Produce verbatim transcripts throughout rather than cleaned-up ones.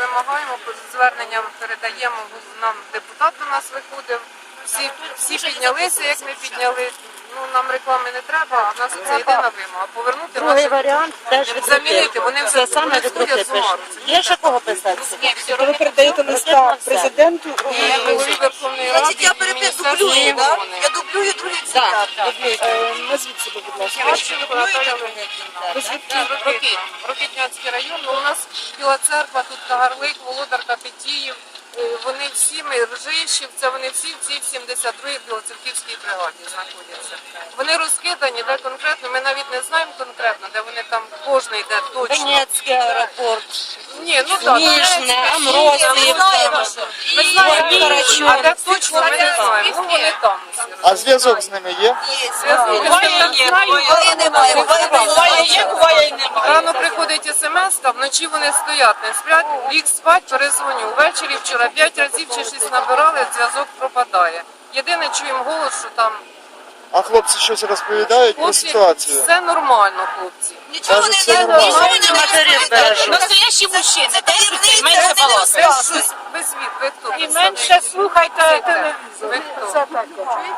вимагаємо, зверненням передаємо, нам депутат до нас виходив, всі, всі піднялися, як ми підняли. Ну, нам реклами не треба, а в нас це єдина вимога. Повернути Другий наші... варіант теж Замінити, вони вже це саме сходять з ума. Є ще кого писати? Ви передаєте листа президенту? І голові Верховної Ради, Значить, я і перепис Міністерству дублюю, да? оборони. Я дублюю другий цитат. Е, Назвіть себе, будь ласка. Харченко Наталя Леонідівна. Рокит, Рокитнянський район. Ну, у нас Біла Церква, тут Кагарлик, Володар Капетіїв. Е, Вони всі, ми Ржищів, це вони всі в цій сімдесят другій Білоцерківській бригаді знаходяться. Вони розкидані, де конкретно, ми навіть не знаємо конкретно, де вони там, кожний де точно. Донецький аеропорт. Ні, ну так, Ніжне, Ми Амросів. знаємо, що. ми знаємо, Ні, а де точно ми не знаємо. Ну, вони там усі. А зв'язок з ними є? Є. Буває немає, буває немає. Рано приходить смс, вночі вони стоять, не сплять, ліг спать, перезвоню. Ввечері вчора п'ять разів чи шість набирали, зв'язок пропадає. Єдине, чуємо голос, що там А хлопці щось розповідають про хлопці, ситуацію? все нормально, хлопці. Нічого Кажуть, не це не- нормально. нічого не Матерів розповідають. бережуть. Настоящі мужчини, держаться і менше Без балакають. щось, без від, ви хто? І менше слухайте телевізор. Ви хто? Це так.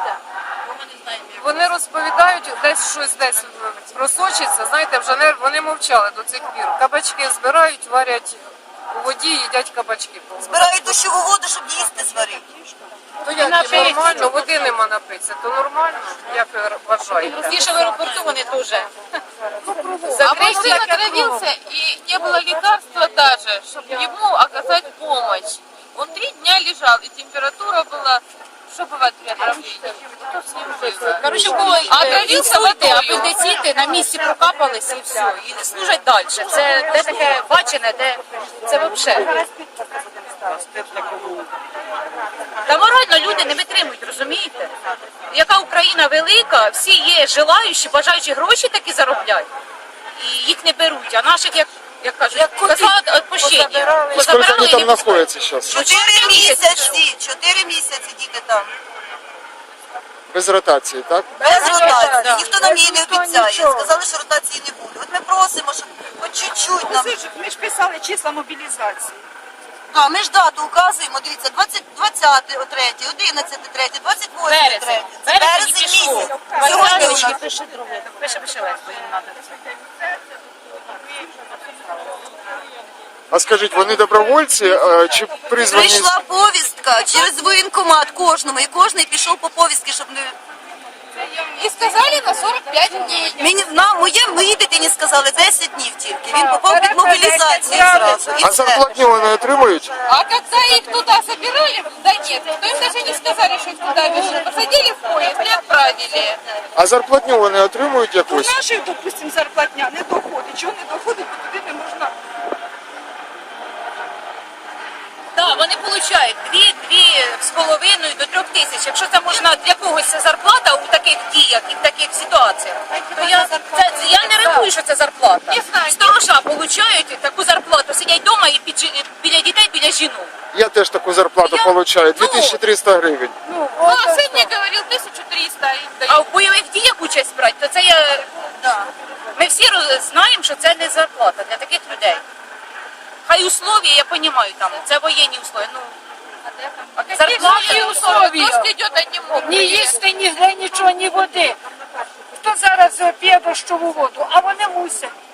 Вони розповідають, десь щось десь просочиться, знаєте, вже не, вони мовчали до цих пір. Кабачки збирають, варять у воді, їдять кабачки. Збирають дощову воду, щоб їсти зварити. То як, нормально, води нема напитися, то нормально, як ви вважаєте? Здесь в аэропорту они тоже. А А мужчина отравился, и не было лекарства даже, чтобы ему оказать помощь. Он три дня лежал, и температура была... Что бывает при отравлении? Что с ним было? Коротше, у кого А отравився інсульти, водою. апендиціти на місці прокапалися і все. І не служать далі. Це де таке бачене, де це взагалі. Та морально люди не витримують, розумієте? Яка Україна велика, всі є желаючі, бажаючі гроші такі зароблять. І їх не беруть, а наших, як, як кажуть, коза відпущення. Скільки вони там знаходяться зараз? Чотири місяці, чотири місяці діти там. Без ротації, так? Без ротації. да. Ніхто нам її не обіцяє. Сказали, що ротації не буде. От ми просимо, щоб хоч чуть-чуть нам. Ми ж писали числа мобілізації. А, ми ж дату указуємо, дивіться, двадцять, двадцяте третє, одинадцяте третє, двадцять восьме Березень. третє. Це Березень березень пішов. місяць. Сьогодні у нас. Сьогодні пише друге. Пише, пише легко, їм треба це. А скажіть, вони добровольці е, чи призвані? Прийшла повістка через воєнкомат кожному, і кожний пішов по повістки, щоб не... И сказали на сорок пять дней. Мені, нам, моє, моїй дитині сказали десять днів тільки. Він попав під мобілізацію зразу. І А все. зарплатню вони отримують? А когда их туда собирали, да нет, то им даже не сказали, что их туда везут. Посадили в поезд и отправили. А зарплатню вони отримують У якусь? наших, допустимо, зарплатня не доходить. Чого не доходить, бо туди не можна. Так, вони отримують дві, дві з половиною до трьох тисяч. Якщо це можна для когось це зарплата у таких діях і в таких ситуаціях, то я, це, я не рахую, що це зарплата. Сторожа отримують таку зарплату, сидять вдома і під, жі- біля дітей, біля жінок. Я теж таку зарплату Я- отримую, ну, дві тисячі триста гривень. Ну, Ну, а сын мне говорил тысячу триста им А дают. в бойових діях участь брати, то це я... Да. Ми всі роз- знаємо, що це не зарплата для таких людей. Хай условия, я розумію, там, це воєнні условия. Ну, Зарплаты условия. Дождь идет, они могут. ні їсти, ні гри, нічого, ні води. Хто зараз п'є дощову воду, а вони мусять.